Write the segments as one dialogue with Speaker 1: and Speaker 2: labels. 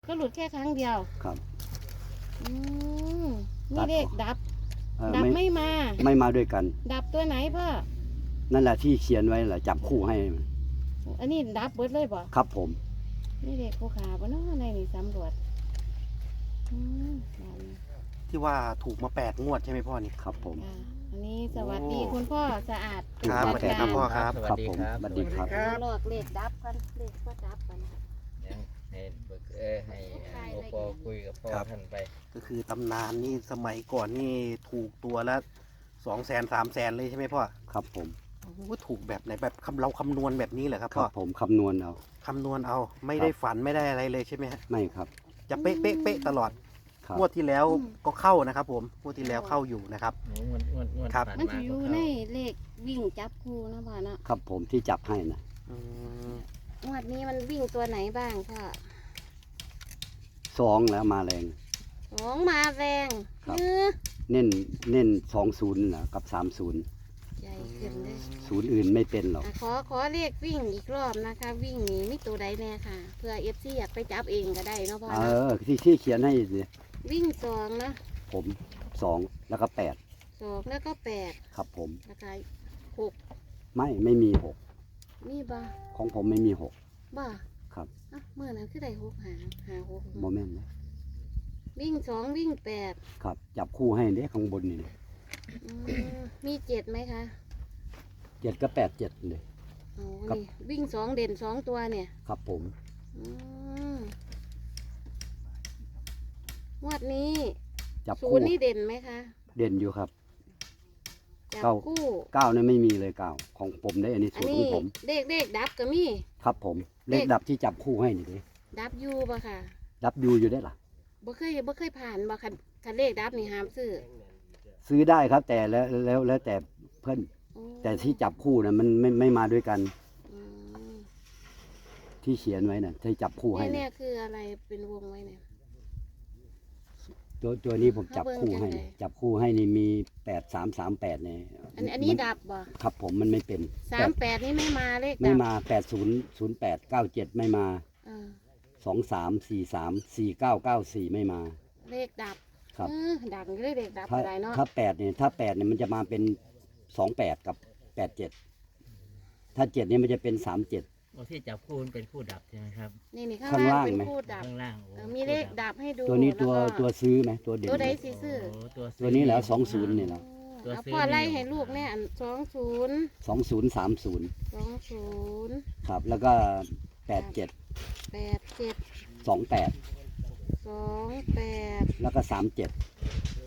Speaker 1: ก็หลุดแค่ครั้งเดียว
Speaker 2: ครับ
Speaker 1: อืมนี่เลขดับ ดับไม่มา
Speaker 2: ด้วยกัน
Speaker 1: ดับตัวไหนพ่อ
Speaker 2: นั่นแหละที่เขียนไว้แหละจับคู่ให้
Speaker 1: อันนี้ดับเบิดเลยบ่
Speaker 2: ครับผม
Speaker 1: นี่เลขผู้ขาบ่เนาะในนี่สำรวจ
Speaker 3: ที่ว่าถูกมา8 งวดใช่ไหมพ่อนี่
Speaker 2: ครับผม
Speaker 1: อันนี้สวัสดีคุณพ่อสะอาด
Speaker 3: ครับสวัสดีครับพ่อครับ
Speaker 2: ครับผมสวัสดีครับ
Speaker 1: หลอกเลขดับกันเลขก็ดับกัน
Speaker 4: ให้โอปอคุยกับพ่อท่านไป
Speaker 3: ก็คือตำนานนี่สมัยก่อนนี่ถูกตัวละ200,000 300,000เลยใช่ไหมพ่อ
Speaker 2: ครับผม
Speaker 3: ว่าถูกแบบไหนแบบเราคำนวณแบบนี้เหรอครับพ่อ
Speaker 2: ผมคำนวณเอา
Speaker 3: ไม่ได้ฝันไม่ได้อะไรเลยใช่ไหมฮะ
Speaker 2: ไม่ครับ
Speaker 3: จะเป๊ะตลอดงวดที่แล้วก็เข้านะครับผมงวดที่แล้วเข้าอยู่นะครับ
Speaker 1: ครับมันจะอยู่ในเลขวิ่งจับคู่นะพ่อเนาะ
Speaker 2: ครับผมที่จับให้นะ
Speaker 1: งวดนี้มันวิ่งตัวไหนบ้างพ่อ
Speaker 2: 2แล้วมาแรง
Speaker 1: 2มาแรง
Speaker 2: เน้น20นะกับ30
Speaker 1: ใหญ่ขึ้นเลย
Speaker 2: 0อื่นไม่เป็นหรอก
Speaker 1: ขอเลขวิ่งอีกรอบนะคะวิ่งนี้มีตัวใดแน่ค่ะเพื่อ FC อยากไปจับเองก็ได้เนาะพ่อ
Speaker 2: ที่เขียนให้
Speaker 1: วิ่ง2นะ
Speaker 2: ผม2แล้วก็
Speaker 1: 2แล้วก็8
Speaker 2: ครับผม
Speaker 1: แล้วก็6
Speaker 2: ไม่มี6
Speaker 1: มีบ่
Speaker 2: ของผมไม่มี6
Speaker 1: บ่
Speaker 2: ครับ
Speaker 1: เมื่อนั้นคือได้6หา6
Speaker 2: โมเมนต์นะ
Speaker 1: วิ่ง2วิ่ง8
Speaker 2: ครับจับคู่ให้เด้ข้างบนนี่
Speaker 1: มี7ไหมคะ
Speaker 2: 7กับ8 7เลย
Speaker 1: นี่วิ่ง2เด่น2ตัวเนี่ย
Speaker 2: ครับผม
Speaker 1: งวดนี้
Speaker 2: จับคู่
Speaker 1: นี่เด่นไหมคะ
Speaker 2: เด่นอยู่ครับ
Speaker 1: จับคู่
Speaker 2: 9เนี่ยไม่มีเลย9ของผมได้อันนี้สูตรของผม
Speaker 1: เลขดับก็มี
Speaker 2: ครับผมเลขดับที่จับคู่ให้นี่ดิ
Speaker 1: ดับยูป่ะค่ะ
Speaker 2: ดับยูอยู่ได้หรอ
Speaker 1: บ่เคยผ่านบ่คันเลขดับนี่ห้ามซื้
Speaker 2: อได้ครับแต่แล้วแต่เพื่อนแต่ที่จับคู่นะมันไม่มาด้วยกันที่เขียนไว้น่ะที่จับคู่ให้
Speaker 1: เนี่ยคืออะไรเป็นวงไว้เนี่ย
Speaker 2: ตัวนี้ผมจับคู่ให้นี่มี8338เนี่ย
Speaker 1: อันนี้ดับบ่
Speaker 2: ครับผมมันไม่เป็น
Speaker 1: 38นี่ไม่มาเลข
Speaker 2: ไม่มา800897ไม่มา23434994ไม่มา
Speaker 1: เลขดับ
Speaker 2: ครับ
Speaker 1: ดังเลยเลขดับอะไรเนาะ
Speaker 2: ถ้า8เนี่ยมันจะมาเป็น28กับ87ถ้า7เนี่ยมันจะเป็น37
Speaker 4: ที่จับคู่เป็นคู่ดับใช่ไหมครับ
Speaker 1: นี่ข้างล่างเป็นคู่ดับ
Speaker 4: ข้างล่าง
Speaker 1: มีเลขดับให้ดู
Speaker 2: ตัวนี้ตัวซื้อไหมตัวเด่น
Speaker 1: ตัวใดซื้อ
Speaker 2: ตัวนี้แล้ว20เนี่ยแล้ว
Speaker 1: พ่อไล่ให้ลูกเนี่ย20
Speaker 2: ครับแล้วก็87 28แล้วก็37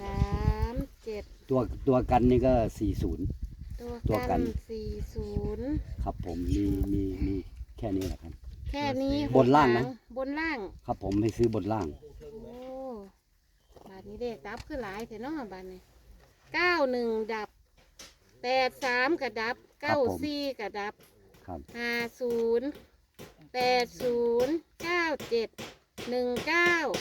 Speaker 2: ตัวกันนี่ก็40
Speaker 1: ตัวกัน40
Speaker 2: ครับผมมีแค่นี้แหละครับ
Speaker 1: แค่นี้
Speaker 2: บนล่างนะ
Speaker 1: บนล่าง
Speaker 2: ครับผมให้ซื้อบนล่าง
Speaker 1: โอ้บาทนี้เด็กดับคือหลายแต่เนาะบาทนี้91ดับ83กระดับ94กระดับ
Speaker 2: ครับ
Speaker 1: 50 80 97 19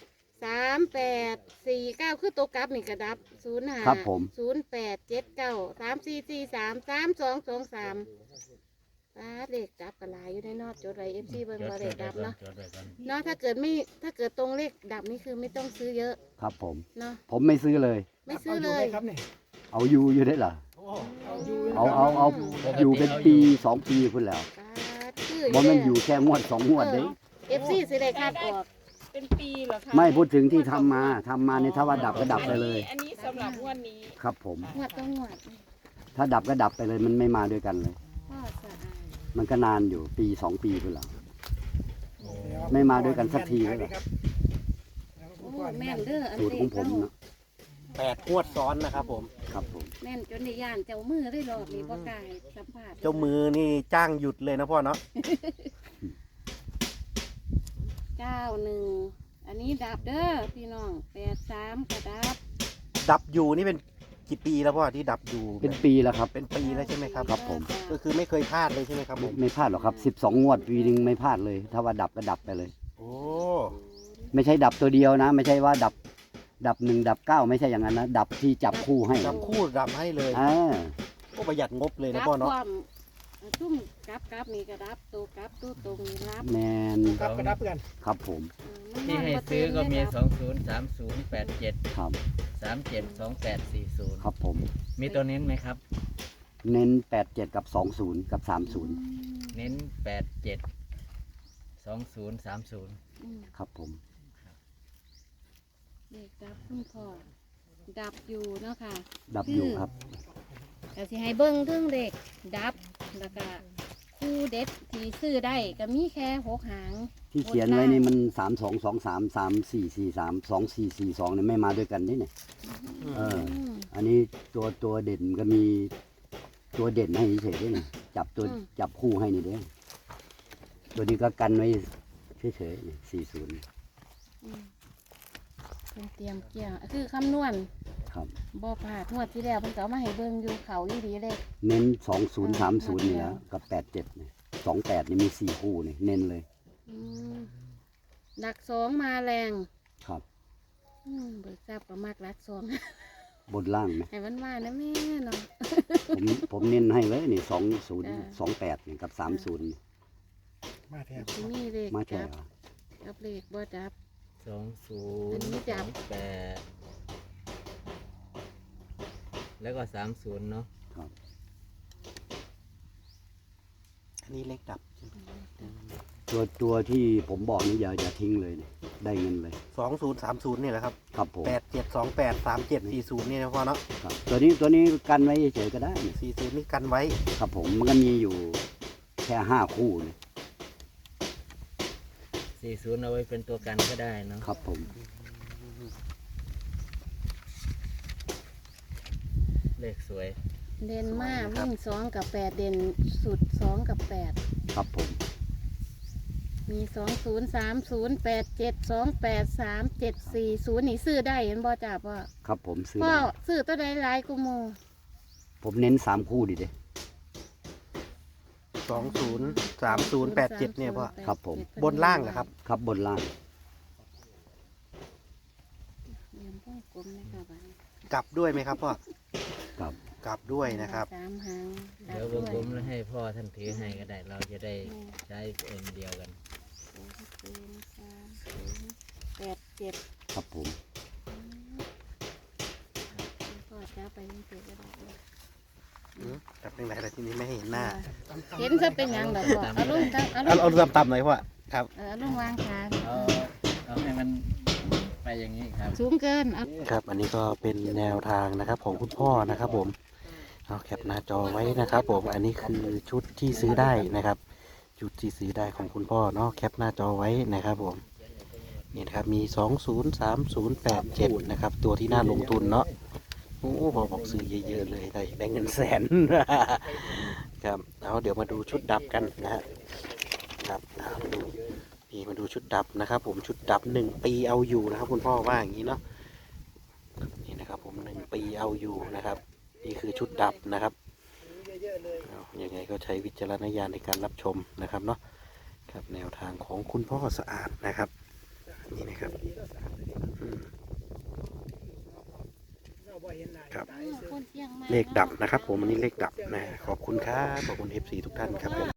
Speaker 1: 38 49คือตัวกลับนี่กระดับ05
Speaker 2: ครับผม
Speaker 1: 08 79 3443 3223เลขดับกันหลายอยู่ในนอดจดไว้FCเบิ่งว่าเลขดับเนาะถ้าเกิดตรงเลขดับนี่คือไม่ต้องซื้อเยอะ
Speaker 2: ครับผม
Speaker 1: เนาะ
Speaker 2: ผมไม่ซื้อเลยเอาอยู่ได้เหรอเอาอยู่เป็นปี2 ปีพุ่นแล้วบ่แม่นอยู่แค่งวด2 งวดเด้
Speaker 1: FC สิได้คาดออก
Speaker 5: เป็นปีเหรอคะ
Speaker 2: ไม่พูดถึงที่ทำมาในถ้าว่าดับก็ดับไปเลย
Speaker 5: อันนี้สำหรับงวดนี้
Speaker 2: ครับผม
Speaker 1: งวดต้องงวด
Speaker 2: ถ้าดับก็ดับไปเลยมันไม่มาด้วยกันเลยมันก็นานอยู่ปี2 ปีพุ่นแล้วไม่มาด้วยกันสักทีเลย
Speaker 1: แม่นเด้ออัน
Speaker 2: สูตรของผมนะ
Speaker 3: 8 งวดซ้อนนะครับผม
Speaker 2: ครับผม
Speaker 1: แม่นจนในย่านเจ้ามือได้รอบนี้บ่กล้าสัมภาษณ์
Speaker 3: เจ้ามือนี่จ้างหยุดเลยนะพ่อเนาะ
Speaker 1: 91อันนี้ดับเด้อพี่น้อง83ก็
Speaker 3: ดับอยู่นี่เป็นกี่ปีแล้วพ่อที่ดับอยู่
Speaker 2: เป็นปีแล้วครับ
Speaker 3: เป็นปีแล้วใช่ไหมครับ
Speaker 2: ครับผม
Speaker 3: ก็คือไม่เคยพลาดเลยใช่ไหมครับผม
Speaker 2: ไม่พลาดหรอกครับ12 งวดปีนึงไม่พลาดเลยถ้าว่าดับก็ดับไปเลย
Speaker 3: โอ้
Speaker 2: ไม่ใช่ดับตัวเดียวนะไม่ใช่ว่าดับ1ดับ9ไม่ใช่อย่างนั้นนะดับที่จับคู่ให้
Speaker 3: จับคู่ดับให้เลย
Speaker 2: ก็
Speaker 3: ประหยัดงบเลยนะพ่อเนาะ
Speaker 1: ชุ่มกลับนี่ก็รับตัวกลับตัวตรงนี่รับ
Speaker 2: แมน
Speaker 3: ครับกระดับกัน
Speaker 2: ครับผม
Speaker 4: ที่ให้ซื้อก็มี203087
Speaker 2: ครับ
Speaker 4: 372840
Speaker 2: ครับผม
Speaker 4: มีตัวเน้นไหมครับ
Speaker 2: เน้น87กับ20กับ30
Speaker 4: เน้น87 2030
Speaker 2: ครับผม
Speaker 1: เด็กดับคุณพ่อดับอยู่เนาะค่ะ
Speaker 2: ดับอยู่ครับ
Speaker 1: ก็สิให้เบิ้งเรื่องเด็กดับแล้วก็คู่เด็ดที่ซื้อได้ก็มีแค่6 หาง
Speaker 2: ที่เขียนไว้นี่มัน3223 3443 2442เนี่ยไม่มาด้วยกันนี่เนี่ยอันนี้ตัวเด่นก็มีตัวเด่นให้เฉยๆด้วยนี่จับคู่ให้นี่เด้อตัวนี้ก็กันไว้เฉยๆนี่40
Speaker 1: เป็นเตรียมเกี่ยวคือคำนวณ
Speaker 2: ครับ
Speaker 1: บ่พลาดงวดที่แล้วเพิ่นก็เอามาให้เบิ่งอยู่เขาอยู่ดีเลย
Speaker 2: เน้น2030นี่แล้วกับ87นี่28นี่มี4คู่นี่เน้นเลย
Speaker 1: หลัก2มาแรง
Speaker 2: ครับ
Speaker 1: เบิกทราบก็มากหลัก2
Speaker 2: บนล่างไหม
Speaker 1: ให้มันมานะแม่เนาะ
Speaker 2: ผมเน้นให้เลยนี่2028นี่กับ30นี่
Speaker 3: มาแทน
Speaker 1: ที่นี่เลข
Speaker 2: มา
Speaker 1: จั
Speaker 2: แก่
Speaker 1: บกับเลขบ่จับ
Speaker 4: 20
Speaker 1: นี้จับ
Speaker 4: 28แล้วก็30เนาะ
Speaker 2: ครับ
Speaker 3: อันนี้เลขดับ
Speaker 2: ตัวที่ผมบอกนี่อย่าทิ้งเลยนี่ได้เงินเลย
Speaker 3: 2030นี่แหละครับ
Speaker 2: ครับผม
Speaker 3: 87283740นี่นะพ่อเนาะ
Speaker 2: ครับตัวนี้กันไว้เฉยๆก็ได้นี่
Speaker 3: 40นี่กันไว้
Speaker 2: ครับผมมันก็มีอยู่แค่5คู่นี่
Speaker 4: 40เอาไว้เป็นตัวกันก็ได้เนาะ
Speaker 2: ครับผม
Speaker 4: เลขสวย
Speaker 1: เด่นมากวิ่ง2กับ8เด่นสุด2กับ8
Speaker 2: ครับผม
Speaker 1: มี203087283740นี่ซื้อได้เห็นบ่จับว่า
Speaker 2: ครับผมซื้อ
Speaker 1: พ่อ
Speaker 2: ได้
Speaker 1: ซื้อตัวใดหลายกูโม
Speaker 2: ผมเน้น3คู่ดิเด้
Speaker 3: 203087เนี่ยพ่อ
Speaker 2: ครับผม
Speaker 3: บนล่างเหรอครับ
Speaker 2: ครับบนล่าง
Speaker 1: เรียนวงกลมนะคะบัดนี้
Speaker 3: กลับด้วยไหมครับพ่อ
Speaker 2: ครับ
Speaker 3: กลับด้วยนะครับ
Speaker 1: 3 หาง
Speaker 4: เดี๋ยววงกลมแล้วให้พ่อท่านถือให้ก็ได้ เราจะได้ใช้เอ็นเดียวกัน
Speaker 1: 87
Speaker 2: ครับผม
Speaker 1: พ่อจ้าไปนี่เกิดก็ได้
Speaker 3: กลับยังไงล่ะทีนี้ไม่ให้เห็นหน้า
Speaker 1: เห็นจะเป็นหยังดอกพ่อเอาลงตั้งเอาล
Speaker 3: เอา
Speaker 1: ง
Speaker 3: เอาต่ำๆหน่อยพ่อครับ
Speaker 1: เอาลงวางขา
Speaker 4: เอาให้มันไปอย่างนี้ครับ
Speaker 1: สูงเกินเอา
Speaker 3: ครับ อันนี้ก็เป็นแนวทางนะครับของคุณพ่อนะครับผมเอาแคปหน้าจอไว้นะครับผมอันนี้คือชุดที่ซื้อได้นะครับชุดที่ซื้อได้ของคุณพ่อเนาะแคปหน้าจอไว้นะครับผมนี่นะครับมี203087นะครับตัวที่น่าลงทุนเนาะโอ้พอบอกซื้อเยอะๆเลยได้เงินแสน ครับเอาเดี๋ยวมาดูชุดดับกันนะฮะครับเอาดูนี่มาดูชุดดับนะครับ ผมชุดดับ1 ปีเอาอยู่นะครับคุณพ่อว่าอย่างนี้เนาะนี่นะครับผม1 ปีเอาอยู่นะครับนี่คือชุดดับนะครับเอายังไงก็ใช้วิจารณญาณในการรับชมนะครับเนาะครับแนวทางของคุณพ่อสะอาดนะครับนี่นะครับครับ
Speaker 1: คนเที่ยงมาก
Speaker 3: เลขดับนะครับผมอันนี้เลขดับนะขอบคุณครับขอบคุณ FC ทุกท่านครับผม